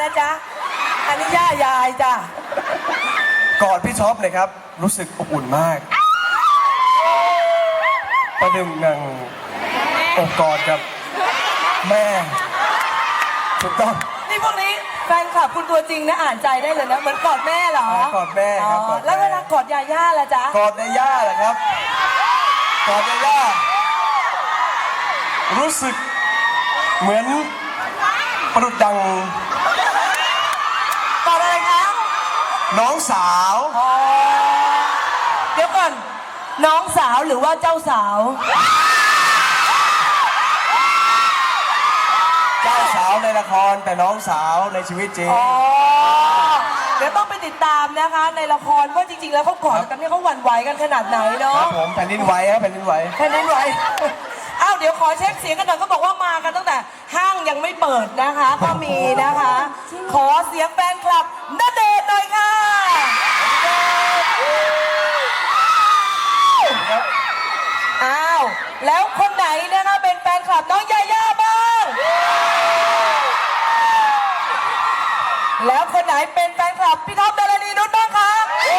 ละจ๊ะอันนี้ย่ายายจ้ะกอดพี่ท็อปเลยครับ รู้สึกอบอุ่นมากประดึงหนังอกกอดกับแม่ถูกต้องนี่พวกนี้แฟนคลับคุณตัวจริงนะอ่านใจได้เลยนะเหมือนกอดแม่เหรอกอดแม่ครับกอดแล้วเวลากอดยาย่าล่ะจ๊ะกอดยาย่าเหรอครับกอดยาย่ารู้สึกเหมือนประดุจดังกอดอะไรคะน้องสาวเดี๋ยวก่อนน้องสาวหรือว่าเจ้าสาวเจ้าสาวในละครแต่น้องสาวในชีวิตจริงเดี๋ยวต้องไปติดตามนะคะในละครว่าจริงๆแล้วเขากอดกันเนี่ยเขาหวั่นไหวกันขนาดไหนเนาะครับผมแผ่นดินไหวครับแผ่นดินไหวแผ่นดินไหวอ้าวเดี๋ยวขอเช็คเสียงกันหน่อยเขาบอกว่ามากันตั้งแต่ห้างยังไม่เปิดนะคะก็มีนะคะขอเสียงแฟนคลับณเดชน์หน่อยค่ะอ้าวแล้วคนไหนนะคะเป็นแฟนคลับน้องยาย่าบ้างแล้วคนไหนเป็นแฟนคลับพี่ท็อปดารณีนุชบ้างคะ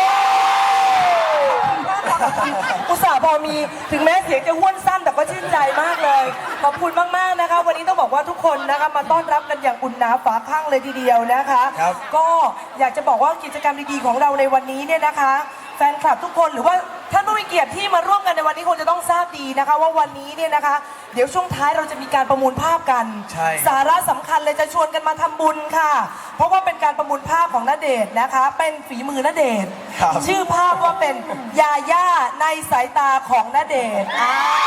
อุตส่าห์พอมีถึงแม้เสียงจะห้วนสั้นแต่ก็ชื่นใจมากเลยขอบคุณมากๆนะคะวันนี้ต้องบอกว่าทุกคนนะคะมาต้อนรับกันอย่างอุ่นหนาฝาข้างเลยทีเดียวนะคะก็อยากจะบอกว่ากิจกรรมดีๆของเราในวันนี้เนี่ยนะคะแฟนคลับทุกคนหรือว่าท่านผู้มีเกียรติที่มาร่วมกันในวันนี้คงจะต้องทราบดีนะคะว่าวันนี้เนี่ยนะคะเดี๋ยวช่วงท้ายเราจะมีการประมูลภาพกันสาระสำคัญเลยจะชวนกันมาทำบุญค่ะเพราะว่าเป็นการประมูลภาพของณเดชน์นะคะเป็นฝีมือณเดชน์ชื่อภาพว่าเป็นยาย่าในสายตาของณเดชน์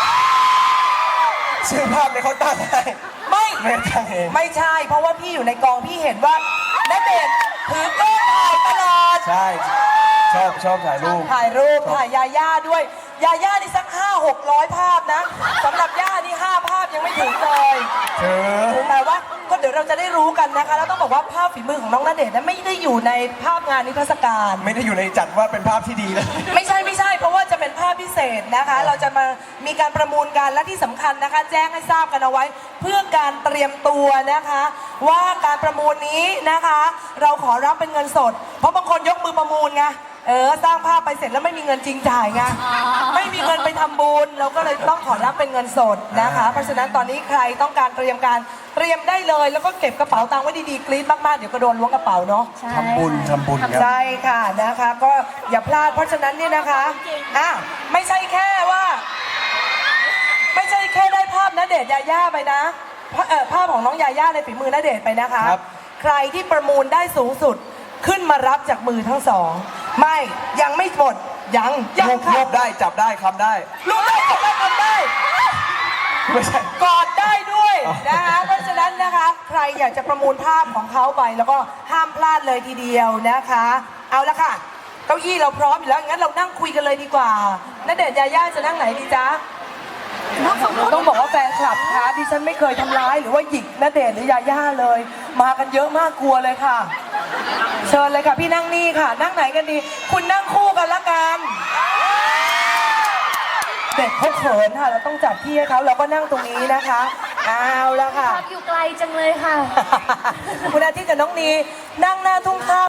ชื่อภาพเนี่ยเขาตั้งให้ไม่ใช่เพราะว่าพี่อยู่ในกองพี่เห็นว่าณเดชน์ถือกล้องถ่ายตลอดใช่ชอบถ่ายรูปถ่ายยาย่าด้วยยาย่านี่สัก500-600 ภาพนะสำหรับย่านี่5 ภาพยังไม่ถึงเลยแต่ว่าก็เดี๋ยวเราจะได้รู้กันนะคะแล้วต้องบอกว่าภาพฝีมือของน้องณเดชน์นั้นไม่ได้อยู่ในภาพงานนิทรรศการไม่ได้อยู่ในจัดว่าเป็นภาพที่ดีเลยไม่ใช่เพราะว่าจะเป็นภาพพิเศษนะคะเราจะมามีการประมูลกันและที่สำคัญนะคะแจ้งให้ทราบกันเอาไว้เพื่อการเตรียมตัวนะคะว่าการประมูลนี้นะคะเราขอรับเป็นเงินสดเพราะบางคนยกมือประมูลไงสร้างภาพไปเสร็จแล้วไม่มีเงินจริงจ่ายไงไม่มีเงินไปทำบุญเราก็เลยต้องขอรับเป็นเงินสดนะคะเพราะฉะนั้นตอนนี้ใครต้องการเตรียมได้เลยแล้วก็เก็บกระเป๋าตังค์ไว้ดีๆกรี๊ดมากๆเดี๋ยวก็โดนล้วงกระเป๋าเนาะทำบุญครับใช่ค่ะนะคะก็อย่าพลาดเพราะฉะนั้นเนี่ยนะคะไม่ใช่แค่ได้ภาพณเดชน์ยาย่าไปนะภาพของน้องยาย่าในฝีมือณเดชน์ไปนะคะใครที่ประมูลได้สูงสุดขึ้นมารับจากมือทั้งสองไม่ยังไม่หมดยังรูปได้จับได้คำได้รูปได้จับได้คำได้ไม่ใช่กอดได้ด้วยนะคะเพราะฉะนั้นนะคะใครอยากจะประมูลภาพของเขาไปแล้วก็ห้ามพลาดเลยทีเดียวนะคะเอาละค่ะเก้าอี้เราพร้อมอยู่แล้วงั้นเรานั่งคุยกันเลยดีกว่าณเดชน์ยาย่าจะนั่งไหนดีจ๊ะต้องบอกว่าแฟนคลับคะดิฉันไม่เคยทำร้ายหรือว่าหยิกณเดชน์หรือยาย่าเลยมากันเยอะมากกลัวเลยค่ะเชิญเลยค่ะพี่นั่งนี่ค่ะนั่งไหนกันดีคุณนั่งคู่กันละกันเด็กเขาเขินค่ะเราต้องจัดที่ให้เขาเราก็นั่งตรงนี้นะคะเอาละค่ะอยู่ไกลจังเลยค่ะคุณอาทิตย์กับน้องนีนั่งหน้าทุ่งข้าว